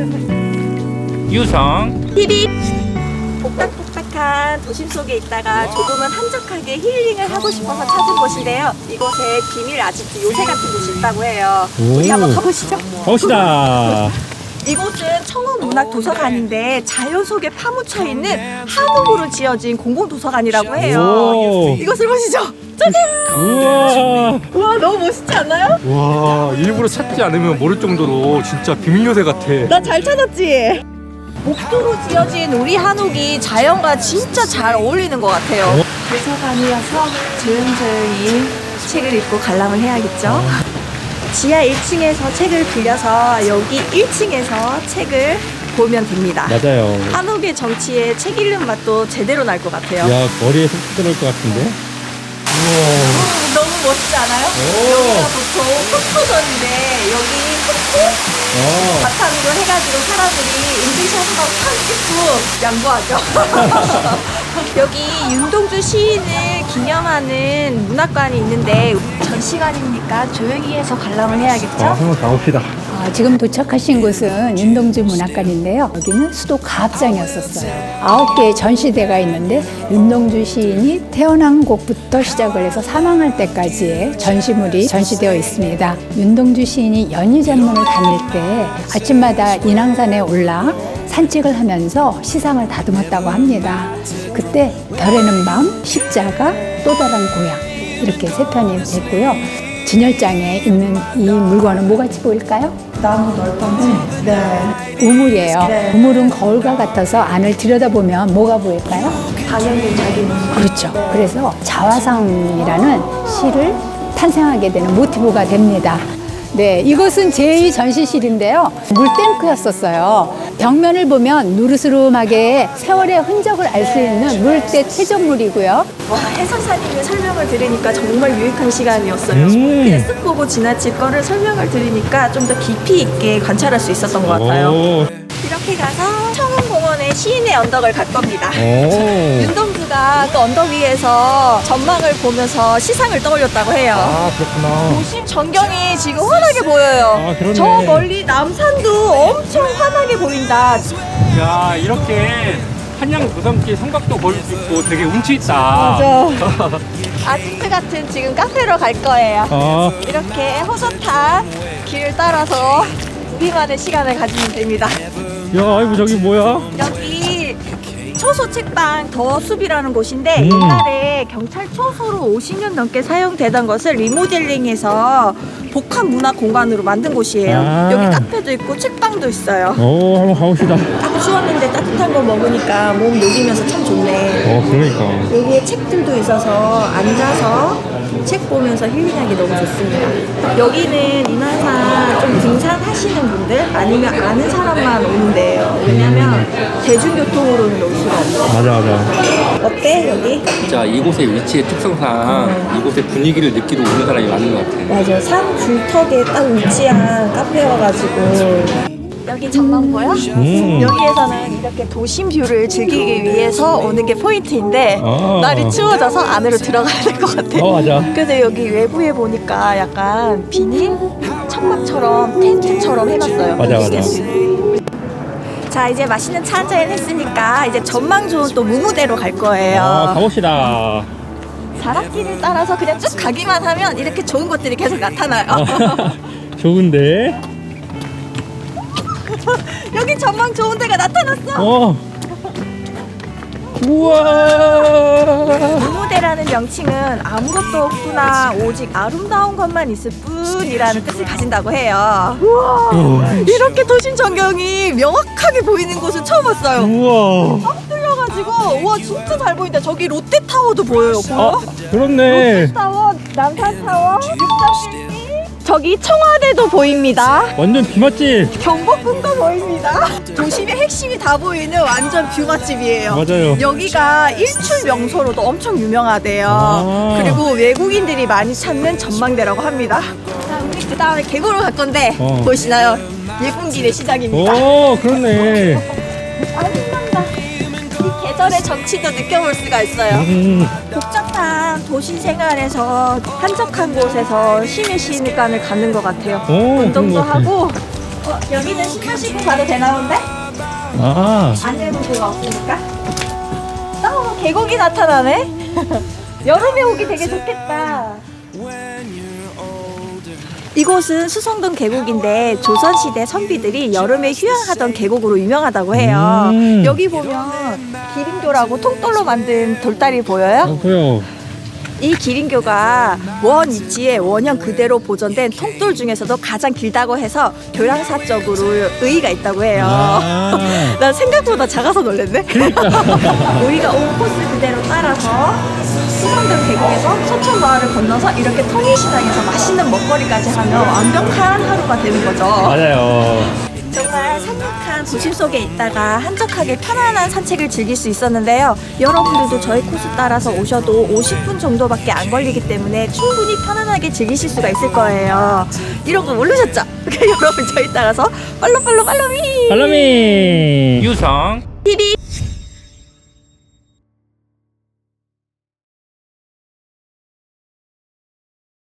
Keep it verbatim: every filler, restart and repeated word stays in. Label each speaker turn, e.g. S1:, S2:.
S1: 유성
S2: 띠리 복닥복닥한 도심 속에 있다가 조금은 한적하게 힐링을 하고 싶어서 찾은 곳인데요. 이곳에 비밀 아지트 요새 같은 곳이 있다고 해요.
S1: 오.
S2: 우리 한번 가보시죠.
S1: 가봅시다.
S2: 이곳은 청운문학도서관인데 자연 속에 파묻혀 있는 한옥으로 지어진 공공도서관이라고 해요.
S1: 오.
S2: 이곳을 보시죠. 짜잔!
S1: 우와.
S2: 와, 너무 멋있지 않나요?
S1: 와, 일부러 찾지 않으면 모를 정도로 진짜 비밀 요새 같아.
S2: 나 잘 찾았지? 목도로 지어진 우리 한옥이 자연과 진짜 잘 어울리는 것 같아요.
S1: 어?
S2: 도서관이어서 조용조용히 책을 읽고 관람을 해야겠죠. 지하 일 층에서 책을 빌려서 여기 일 층에서 책을 보면 됩니다.
S1: 맞아요.
S2: 한옥의 정치에 책 읽는 맛도 제대로 날 것 같아요.
S1: 야, 머리에 속 들어올 것 같은데? 우와.
S2: 어, 너무 멋지지 않아요?
S1: 오.
S2: 여기가 보통 흑토전인데 여기 흑토
S1: 어.
S2: 바탕으로 해가지고 사람들이 인증샷 한번 탁 찍고 양보하죠. 여기 윤동주 시인을 기념하는 문학관이 있는데 전시관이니까 조용히 해서 관람을 해야겠죠?
S1: 아, 한번 가봅시다.
S3: 아, 지금 도착하신 곳은 윤동주 문학관인데요. 여기는 수도 가합장이었었어요. 아홉 개의 전시대가 있는데 윤동주 시인이 태어난 곳부터 시작을 해서 사망할 때까지의 전시물이 전시되어 있습니다. 윤동주 시인이 연희전문을 다닐 때 아침마다 인왕산에 올라 산책을 하면서 시상을 다듬었다고 합니다. 그때 별에는 밤, 십자가, 또 다른 고향 이렇게 세 편이 됐고요. 진열장에 있는 이 물건은 뭐같이 보일까요?
S2: 나무 널판지? 네.
S3: 우물이에요.
S2: 네.
S3: 우물은 거울과 같아서 안을 들여다보면 뭐가 보일까요?
S2: 당연히 자기 모습.
S3: 그렇죠. 그래서 자화상이라는 시를 탄생하게 되는 모티브가 됩니다. 네, 이곳은 제이 전시실인데요. 물탱크였었어요. 벽면을 보면 누르스름하게 세월의 흔적을 알 수 있는 물때 퇴적물이고요.
S2: 와, 해설사님의 설명을 들으니까 정말 유익한 시간이었어요.
S1: 음.
S2: 그냥 쓱 보고 지나칠 거를 설명을 들으니까 좀 더 깊이 있게 관찰할 수 있었던 것 같아요.
S1: 오.
S2: 이렇게 가서 청운공원의 시인의 언덕을 갈 겁니다.
S1: 오.
S2: 윤동주가 그 언덕 위에서 전망을 보면서 시상을 떠올렸다고 해요.
S1: 아, 그렇구나.
S2: 도심 전경이 지금 환하게 보여요.
S1: 아, 그렇네.
S2: 저 멀리 남산도 엄청 환하게 보인다.
S1: 야, 이렇게 한양 도삼길 성곽도 볼 수 있고 되게 운치 있다.
S2: 맞아. 아지트 같은 지금 카페로 갈 거예요.
S1: 아,
S2: 이렇게 호젓한 길을 따라서 우리만의 시간을 가지면 됩니다.
S1: 야, 아이고 저기 뭐야?
S2: 여기 초소 책방 더숲이라는 곳인데
S1: 음.
S2: 옛날에 경찰 초소로 오십 년 넘게 사용되던 것을 리모델링해서 복합 문화 공간으로 만든 곳이에요.
S1: 아.
S2: 여기 카페도 있고 책방도 있어요.
S1: 오, 한번 가봅시다.
S2: 좀 추웠는데 따뜻한 거 먹으니까 몸 녹이면서 참 좋네.
S1: 어, 그러니까.
S2: 여기에 책들도 있어서 앉아서 책 보면서 힐링하기 너무 좋습니다. 여기는 인왕산 좀 등산하시는 분들 아니면 아는 사람만 오는 데예요. 왜냐면 대중교통으로는 올 수가 없어요.
S1: 맞아, 맞아.
S2: 어때 여기?
S4: 진짜 이곳의 위치의 특성상 이곳의 분위기를 느끼러 오는 사람이 많은 것 같아요.
S2: 맞아, 산 줄턱에 딱 위치한 카페여가지고 여기 전망 보여?
S1: 음.
S2: 여기에서는 이렇게 도심 뷰를 즐기기 위해서 오는 게 포인트인데
S1: 아.
S2: 날이 추워져서 안으로 들어가야 될 것 같아.
S1: 어, 맞아.
S2: 그래서 여기 외부에 보니까 약간 비닐 천막처럼 텐트처럼 해놨어요.
S1: 맞아, 맞아.
S2: 자, 이제 맛있는 차 한잔 했으니까 이제 전망 좋은 또 무무대로 갈 거예요.
S1: 아, 가봅시다.
S2: 자락길을 따라서 그냥 쭉 가기만 하면 이렇게 좋은 것들이 계속 나타나요.
S1: 좋은데?
S2: 여기 전망 좋은 데가 나타났어.
S1: 어. 우와.
S2: 무무대라는 명칭은 아무것도 없구나 오직 아름다운 것만 있을 뿐이라는 뜻을 가진다고 해요. 우와,
S1: 우와.
S2: 이렇게 도심 전경이 명확하게 보이는 곳은 처음 봤어요.
S1: 우와.
S2: 딱 뚫려가지고 와 진짜 잘 보인다. 저기 롯데타워도 보여요. 보여?
S1: 아, 그렇네.
S2: 롯데타워, 남산타워, 육삼일리, 저기 청와대도 보입니다.
S1: 완전 비 맛집.
S2: 경복궁도 보입니다. 도심의 핵심이 다 보이는 완전 뷰 맛집이에요.
S1: 맞아요.
S2: 여기가 일출 명소로도 엄청 유명하대요.
S1: 아. 그리고
S2: 외국인들이 많이 찾는 전망대라고 합니다. 자, 우리 그 다음에 계곡으로 갈 건데
S1: 어.
S2: 보시나요? 일꾼길의 시작입니다.
S1: 오, 그렇네.
S2: 아, 신난다. 이 계절의 정치도 느껴볼 수가 있어요.
S1: 음.
S2: 복잡한 도시 생활에서 한적한 곳에서 쉼의 시간을 갖는 것 같아요.
S1: 오, 그런
S2: 운동도
S1: 것 같아.
S2: 하고 어, 여기는 신발 신고 가도 되나 본데?
S5: 아,
S2: 안내문구가 없으니까. 어, 계곡이 나타나네. 여름에 오기 되게 좋겠다. 이곳은 수성동 계곡인데 조선시대 선비들이 여름에 휴양하던 계곡으로 유명하다고 해요.
S5: 음.
S2: 여기 보면 기린교라고 통돌로 만든 돌다리 보여요?
S5: 어, 그래요.
S2: 이 기린교가 원 위치에 원형 그대로 보존된 통돌 중에서도 가장 길다고 해서 교량사적으로 의의가 있다고 해요.
S5: 아.
S2: 난 생각보다 작아서 놀랐네. 우리가 온 코스 그대로 따라서 수성동 계곡에서 소천마을을 건너서 이렇게 통일시장에서 맛있는 먹거리까지 하면 완벽한 하루가 되는 거죠.
S5: 맞아요.
S2: 정말 산뜻한 도심 속에 있다가 한적하게 편안한 산책을 즐길 수 있었는데요. 여러분들도 저희 코스 따라서 오셔도 오십 분 정도밖에 안 걸리기 때문에 충분히 편안하게 즐기실 수가 있을 거예요. 이런 거 모르셨죠? 여러분 저희 따라서 팔로우 팔로우 팔로미
S5: 팔로미.
S1: 유성
S2: 티비